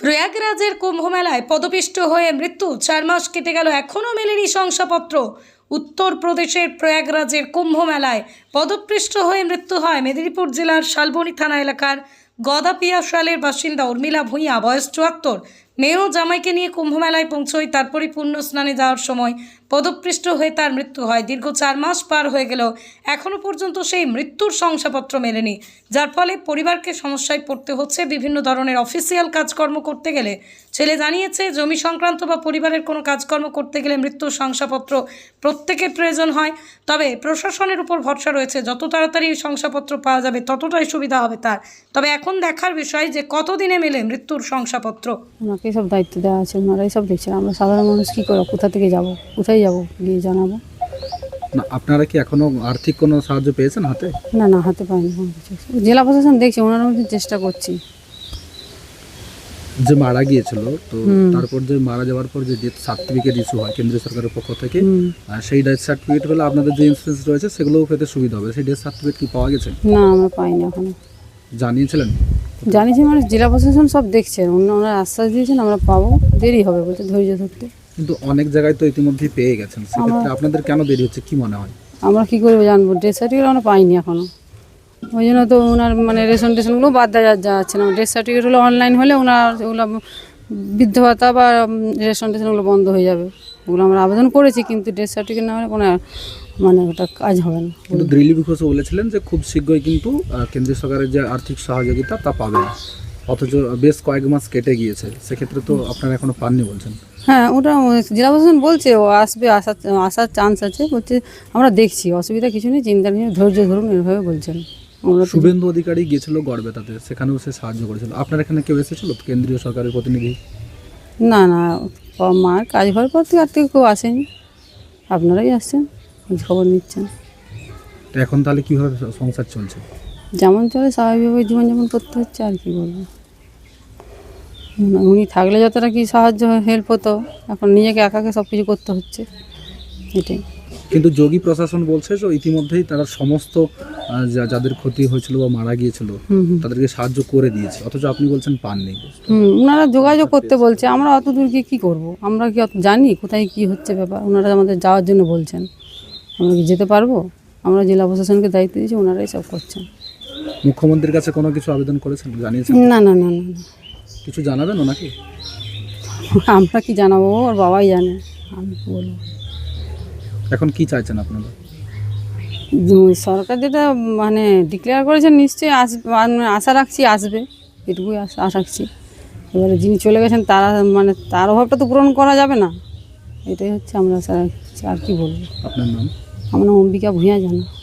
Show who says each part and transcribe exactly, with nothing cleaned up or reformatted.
Speaker 1: প্রয়াগরাজের কুম্ভমেলায় পদপিষ্ট হয়ে মৃত্যু, চার মাস কেটে গেল এখনও মেলেনি শংসাপত্র। উত্তরপ্রদেশের প্রয়াগরাজের কুম্ভমেলায় পদপৃষ্ট হয়ে মৃত্যু হয় মেদিনীপুর জেলার শালবনী থানা এলাকার গদাপিয়া শালের বাসিন্দা উর্মিলা ভূঁইয়া, বয়স চুয়াত্তর। মেয়ে ও জামাইকে নিয়ে কুম্ভমেলায় পৌঁছয়, তারপরই পুণ্য স্নানে যাওয়ার সময় পদপৃষ্ট হয়ে তার মৃত্যু হয়। দীর্ঘ চার মাস পার হয়ে গেলেও এখনও পর্যন্ত সেই মৃত্যুর শংসাপত্র মেলেনি, যার ফলে পরিবারকে সমস্যায় পড়তে হচ্ছে। বিভিন্ন ধরনের অফিসিয়াল কাজকর্ম করতে গেলে, ছেলে জানিয়েছে, জমি সংক্রান্ত বা পরিবারের কোনো কাজকর্ম করতে গেলে মৃত্যুর শংসাপত্র প্রত্যেকের প্রয়োজন হয়। তবে প্রশাসনের উপর ভরসা রয়েছে, যত তাড়াতাড়ি এই শংসাপত্র পাওয়া যাবে ততটাই সুবিধা হবে তার। তবে এখন দেখার বিষয় যে কতদিনে মেলে মৃত্যুর শংসাপত্র।
Speaker 2: ওনাকেই সব দায়িত্ব দেওয়া আছে, ওনারাই সব দেখছেন। আমরা সাধারণ মানুষ কী করবো, কোথা থেকে যাব, কোথায় যাব, গিয়ে জানাবো।
Speaker 3: না, আপনারা কি এখনো আর্থিক কোনো সাহায্য পেয়েছেন হাতে?
Speaker 2: না না, হাতে পাইনি কোনো কিছু। জেলা প্রশাসন দেখছে, ওনারা মধ্যে চেষ্টা করছি।
Speaker 3: যে মারা গিয়েছিল, তো তারপর যে মারা যাওয়ার পর যে ডেথ সার্টিফিকেট ইস্যু হয় কেন্দ্রীয় সরকারের পক্ষ থেকে, সেই ডেথ সার্টিফিকেট পেলে আপনাদের যে ইন্স্যুরেন্স রয়েছে সেগুলোও পেতে সুবিধা হবে। সেই ডেথ সার্টিফিকেট কি পাওয়া গেছে?
Speaker 2: না, আমরা পাইনি এখনো।
Speaker 3: জানিয়েছিলেন?
Speaker 2: জানিয়েছি মানে জেলা প্রশাসন সব দেখছেন, অন্য ওনারা আশ্বাস দিয়েছেন আমরা পাবো, দেরি হবে বলতে, ধৈর্য ধরতে।
Speaker 3: কিন্তু অনেক জায়গায় তো ইতিমধ্যেই পেয়ে গেছেন, সেক্ষেত্রে আপনাদের কেন দেরি হচ্ছে কি মনে হয়?
Speaker 2: আমরা কী করবো জানবো, ডেথ সার্টিফিকেট আমরা পাইনি এখনো। ওই জন্য তো ওনার মানে রেশন টেশনগুলো বাদ দেওয়া যাচ্ছে না। ডেথ সার্টিফিকেট হলো অনলাইন হলে ওনার ওগুলো বৃদ্ধ ভাতা বা রেশন টেশনগুলো বন্ধ হয়ে যাবে। ওগুলো আমরা আবেদন করেছি, কিন্তু ডেথ সার্টিফিকেট না হলে কোনো মানে ওটা কাজ হবে না।
Speaker 3: কিন্তু দিলীপ ঘোষ বলেছিলেন যে খুব শীঘ্রই কিন্তু কেন্দ্রীয় সরকারের যে আর্থিক সহযোগিতা তা পাবেন, অথচ বেশ কয়েক মাস কেটে গিয়েছে। সেক্ষেত্রে তো আপনারা এখনো পাননি বলছেন।
Speaker 2: হ্যাঁ, ওটা জেলা প্রশাসন বলছে ও আসবে, আসার আসার চান্স আছে। বলছে আমরা দেখছি, অসুবিধা কিছু নেই, চিন্তা নেই, ধৈর্য ধরুন, এভাবে বলছেন।
Speaker 3: শুভেন্দু অধিকারী গিয়েছিল গড়বেতাতে, সেখানেও সে সাহায্য করেছিল। আপনার এখানে কেউ এসেছিল কেন্দ্রীয় সরকারের প্রতিনিধি?
Speaker 2: না না, মার কাজ হওয়ার পর থেকে আর থেকে কেউ আসেনি। আপনারাই আসছেন, খবর নিচ্ছেন।
Speaker 3: এখন তাহলে কীভাবে সংসার চলছে?
Speaker 2: যেমন চলে স্বাভাবিকভাবে জীবনযাপন করতে হচ্ছে, আর কি বলবো। উনি থাকলে যতটা কি সাহায্য হেল্প হতো, এখন নিজেকে একাকে সব কিছু করতে হচ্ছে, এটাই।
Speaker 3: কিন্তু যোগী প্রশাসন বলছে যে ইতিমধ্যেই তারা সমস্ত যাদের ক্ষতি হয়েছিল বা মারা গিয়েছিল তাদেরকে সাহায্য করে দিয়েছে, অথচ আপনি বলছেন পাননি।
Speaker 2: হুম, ওনারা যোগাযোগ করতে বলছে, আমরা অত দূর গিয়ে কী করবো? আমরা কি অত জানি কোথায় কি হচ্ছে ব্যাপার? ওনারা আমাদের যাওয়ার জন্য বলছেন, আমরা কি যেতে পারবো? আমরা জেলা প্রশাসনকে দায়িত্ব দিয়েছি, ওনারাই সব করছেন।
Speaker 3: মুখ্যমন্ত্রীর কাছে কোনো কিছু আবেদন করেছেন, জানিয়েছেন?
Speaker 2: না না না না,
Speaker 3: কিছু জানাবেন ওনাকে?
Speaker 2: আমরা কি জানাবো, ওর বাবাই জানে, আমি কি বলবো।
Speaker 3: এখন কি চাইছেন আপনারা?
Speaker 2: সরকার যেটা মানে ডিক্লেয়ার করেছেন, নিশ্চয়ই আসবে, আশা রাখছি আসবে, এটুকুই আশা রাখছি। এবারে যিনি চলে গেছেন তারা মানে তার অভাবটা তো পূরণ করা যাবে না, এটাই হচ্ছে আমরা আশা রাখছি। আর কি বলবো।
Speaker 3: আপনার নাম?
Speaker 2: আমার নাম অম্বিকা ভূঁইয়া জানা।